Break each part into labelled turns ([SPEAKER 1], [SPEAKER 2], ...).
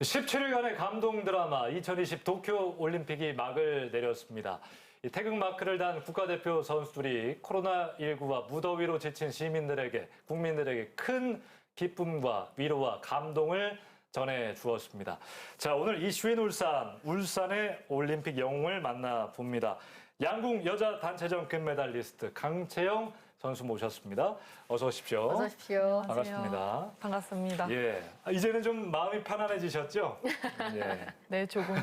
[SPEAKER 1] 17일간의 감동 드라마 2020 도쿄 올림픽이 막을 내렸습니다. 이 태극마크를 단 국가대표 선수들이 코로나19와 무더위로 지친 시민들에게, 국민들에게 큰 기쁨과 위로와 감동을 전해 주었습니다. 자, 오늘 이슈인 울산의 올림픽 영웅을 만나봅니다. 양궁 여자 단체전 금메달리스트 강채영 선수 모셨습니다. 어서 오십시오.
[SPEAKER 2] 어서 오십시오.
[SPEAKER 1] 반갑습니다.
[SPEAKER 3] 반갑습니다.
[SPEAKER 1] 예, 이제는 좀 마음이 편안해지셨죠? 예.
[SPEAKER 3] 네, 조금.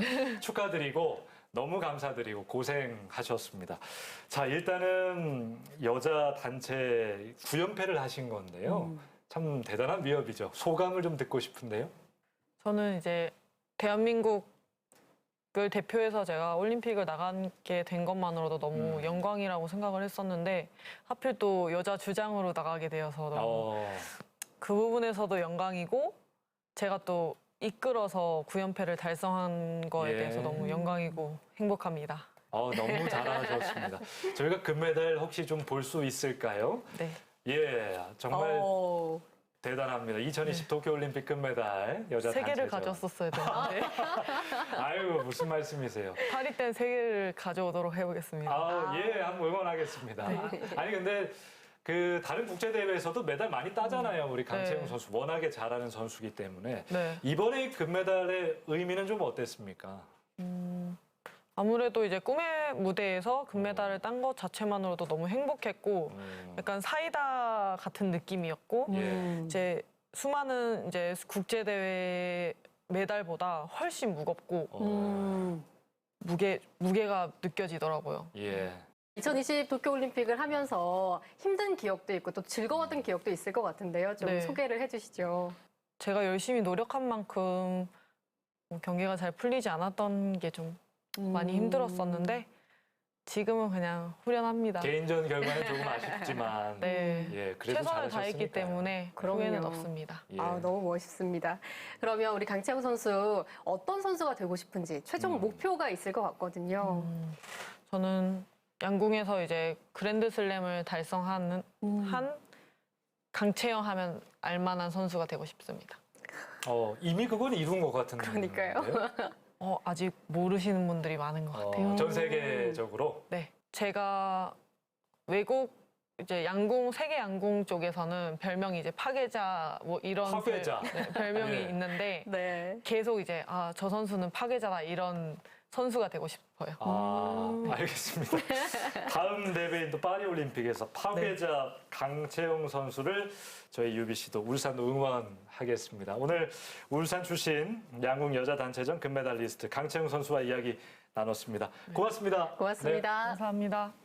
[SPEAKER 1] 축하드리고 너무 감사드리고 고생하셨습니다. 자, 일단은 여자 단체 9연패를 하신 건데요. 참 대단한 위협이죠. 소감을 좀 듣고 싶은데요.
[SPEAKER 3] 저는 이제 대한민국을 대표해서 제가 올림픽을 나가게 된 것만으로도 너무 영광이라고 생각을 했었는데 하필 또 여자 주장으로 나가게 되어서 너무 그 부분에서도 영광이고 제가 또 이끌어서 9연패를 달성한 거에 대해서 너무 영광이고 행복합니다.
[SPEAKER 1] 너무 잘하셨습니다. 저희가 금메달 혹시 좀 볼 수 있을까요?
[SPEAKER 3] 네.
[SPEAKER 1] 예, 정말 대단합니다. 2020 도쿄올림픽 금메달 여자
[SPEAKER 3] 세 개를
[SPEAKER 1] 단체전.
[SPEAKER 3] 가져왔었어야 되는데
[SPEAKER 1] 아유, 무슨 말씀이세요?
[SPEAKER 3] 파리 땐 세 개를 가져오도록 해보겠습니다.
[SPEAKER 1] 예, 한번 응원하겠습니다. 아니, 근데 그 다른 국제 대회에서도 메달 많이 따잖아요. 우리 강채영 선수 워낙에 잘하는 선수기 때문에 이번에 금메달의 의미는 좀 어땠습니까?
[SPEAKER 3] 아무래도 이제 꿈의 무대에서 금메달을 딴 것 자체만으로도 너무 행복했고 약간 사이다 같은 느낌이었고 이제 수많은 이제 국제 대회 메달보다 훨씬 무겁고 무게가 느껴지더라고요.
[SPEAKER 1] 예.
[SPEAKER 2] 2020 도쿄올림픽을 하면서 힘든 기억도 있고 또 즐거웠던 기억도 있을 것 같은데요. 좀 소개를 해주시죠.
[SPEAKER 3] 제가 열심히 노력한 만큼 경기가 잘 풀리지 않았던 게 좀 많이 힘들었었는데 지금은 그냥 후련합니다.
[SPEAKER 1] 개인전 결과는 조금 아쉽지만 예, 그래도
[SPEAKER 3] 최선을 다했기 때문에 후회는 없습니다.
[SPEAKER 1] 예.
[SPEAKER 2] 너무 멋있습니다. 그러면 우리 강채영 선수 어떤 선수가 되고 싶은지 최종 목표가 있을 것 같거든요.
[SPEAKER 3] 저는 양궁에서 이제 그랜드슬램을 달성하는 한 강채영 하면 알만한 선수가 되고 싶습니다.
[SPEAKER 1] 이미 그건 이룬 것 같은데.
[SPEAKER 2] 그러니까요.
[SPEAKER 3] 아직 모르시는 분들이 많은 것 같아요.
[SPEAKER 1] 전 세계적으로?
[SPEAKER 3] 네. 제가 외국 이제 양궁, 세계 양궁 쪽에서는 별명이 이제 파괴자 뭐 이런
[SPEAKER 1] 파괴자.
[SPEAKER 3] 별명이 있는데 계속 이제 저 선수는 파괴자다 이런 선수가 되고 싶어요.
[SPEAKER 1] 알겠습니다. 다음 대회인 또 파리올림픽에서 파괴자 강채영 선수를 저희 UBC도 울산도 응원하겠습니다. 오늘 울산 출신 양궁 여자 단체전 금메달리스트 강채영 선수와 이야기 나눴습니다. 고맙습니다.
[SPEAKER 2] 고맙습니다.
[SPEAKER 3] 감사합니다.